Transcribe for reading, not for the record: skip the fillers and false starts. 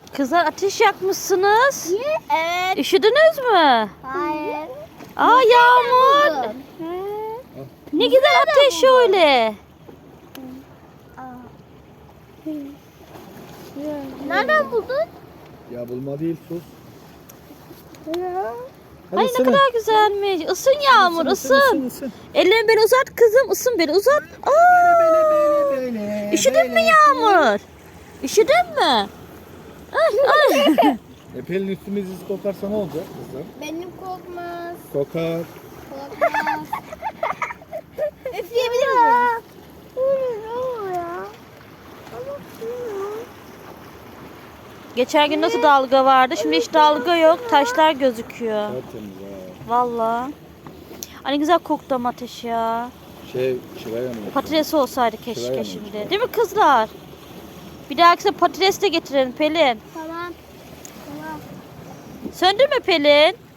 Kızlar ateş yakmışsınız. Evet. Üşüdünüz mü? Hayır. Aa Yağmur. Ne güzel ateş öyle. Nereden buldun? Ya bulma değil sus. Ay ne kadar güzelmiş. Isın Yağmur ısın. Ellerini beni uzat kızım. Isın beni uzat. Aa, üşüdün mü Yağmur? Üşüdün mü? Ay, ay. Pelin üstümüz iz kokarsa ne olacak kızlar? Benim kokmaz. Kokar. Kokmaz. Üfleyebilir miyim? Geçen gün nasıl dalga vardı? Şimdi hiç dalga yok. Taşlar gözüküyor. Tertemiz ha. Vallahi. Ay ne güzel koktu ama ateş ya. Şuraya mı? Patates olsaydı Şuraya keşke mı? şimdi. Değil mi kızlar? Bir dahakine patates de getirelim Pelin. Tamam. Tamam. Söndürme Pelin.